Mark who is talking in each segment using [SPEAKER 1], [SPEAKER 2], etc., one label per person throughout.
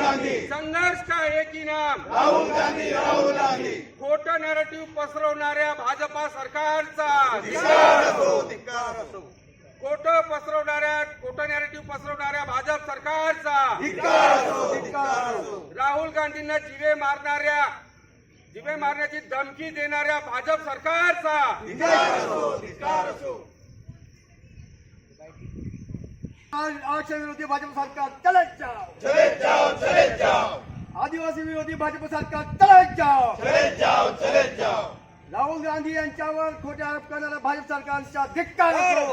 [SPEAKER 1] गांधी,
[SPEAKER 2] संघर्ष का एक ही नाम
[SPEAKER 1] राहुल गांधी, राहुल गांधी,
[SPEAKER 2] खोटं नॅरेटिव्ह पसरवणाऱ्या भाजपा सरकारचा
[SPEAKER 1] धिक्कार असो, धिक्कार असो,
[SPEAKER 2] खोटं नॅरेटिव्ह पसरवणाऱ्या भाजप सरकारचा
[SPEAKER 1] धिक्कार असो, धिक्कार असो,
[SPEAKER 2] राहुल गांधींना जिवे मारण्याची धमकी देणाऱ्या भाजप सरकारचा
[SPEAKER 1] धिक्कार असो, धिक्कार असो.
[SPEAKER 3] आरक्षण विरोधी भाजपा सरकार चले जाओ,
[SPEAKER 1] चले जाओ, चले जाओ,
[SPEAKER 3] आदिवासी विरोधी भाजपा सरकार चले जाओ,
[SPEAKER 1] चले जाओ, चले जाओ.
[SPEAKER 3] राहुल गांधी यांच्यावर खोटे आरोप करणाऱ्या भाजप सरकारचा धिक्कार असो.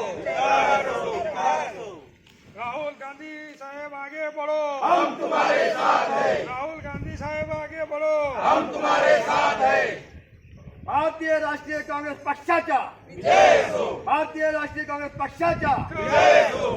[SPEAKER 2] राहुल गांधी साहेब आगे बढ़ो,
[SPEAKER 1] हम तुम्हारे साथ हैं,
[SPEAKER 2] राहुल गांधी साहेब आगे बढ़ो.
[SPEAKER 1] हम तुम्हारे साथ हैं.
[SPEAKER 3] भारतीय राष्ट्रीय काँग्रेस पक्षाच्या
[SPEAKER 1] विजय असो,
[SPEAKER 3] भारतीय राष्ट्रीय काँग्रेस पक्षाच्या
[SPEAKER 1] विजय असो.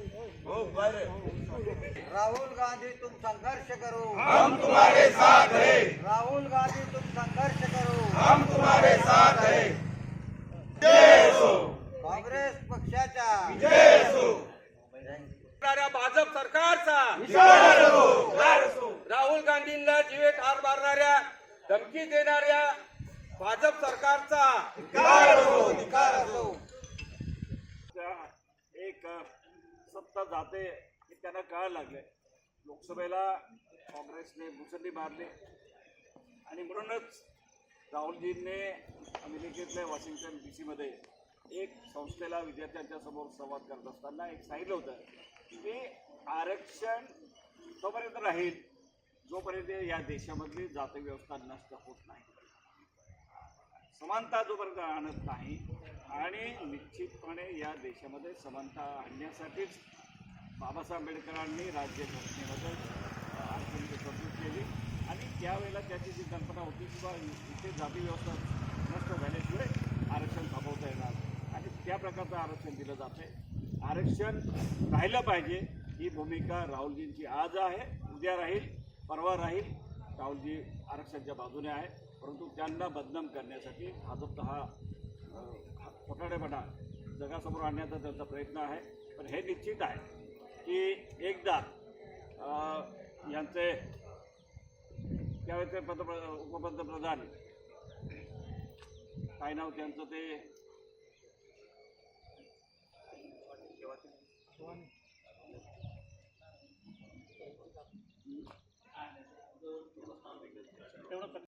[SPEAKER 4] राहुल गांधी तुम संघर्ष करो,
[SPEAKER 1] हम तुम्हारे साथ हैं,
[SPEAKER 4] राहुल गांधी तुम संघर्ष करो.
[SPEAKER 1] हम तुम्हारे साथ हैं. विजय असो,
[SPEAKER 4] काँग्रेस पक्षाच्या
[SPEAKER 1] विजय असो,
[SPEAKER 2] भाजप सरकारचा
[SPEAKER 1] धिक्कार असो, धिक्कार असो.
[SPEAKER 2] राहुल गांधींना जीवे ठार मारणाऱ्या धमकी देणाऱ्या भाजप सरकारचा
[SPEAKER 1] धिक्कार असो, धिक्कार असो.
[SPEAKER 5] एक सत्ता जाते हे त्यांना कळायला लागले. लोकसभेला काँग्रेसने मुसंडी मारली आणि म्हणूनच राहुलजींनी अमेरिकेतल्या वॉशिंग्टन DC मध्ये एक संस्थेला विद्यार्थ्यांच्या समोर संवाद करत असताना एक सांगितलं होतं की आरक्षण तोपर्यंत राहील जोपर्यंत या देशामधली जाती व्यवस्था नष्ट होत नाही, समानता जोपर्यंत आणत नाही. आणि निश्चितपणे या देशामध्ये समानता आणण्यासाठीच बाबासाहेब आंबेडकरांनी राज्यघटनेमध्ये आरक्षणाची तरतूद केली आणि त्यावेळेला त्याची जी कल्पना होती की बा इथे जाती व्यवस्था नष्ट झाल्याशिवाय आरक्षण थांबवता येणार आणि त्या प्रकारचं आरक्षण दिलं जाते. आरक्षण राहिलं पाहिजे ही भूमिका राहुलजींची आज आहे, उद्या राहील, परवा राहील. राहुलजी आरक्षणाच्या बाजूने आहे, परंतु त्यांना बदनाम करण्यासाठी भाजपचा हा खोटाडेपणा जगासमोर आणण्याचा त्यांचा प्रयत्न आहे. पण हे निश्चित आहे की एकदा यांचे त्यावेळेचे उपपंतप्रधान काय नाव त्यांचं ते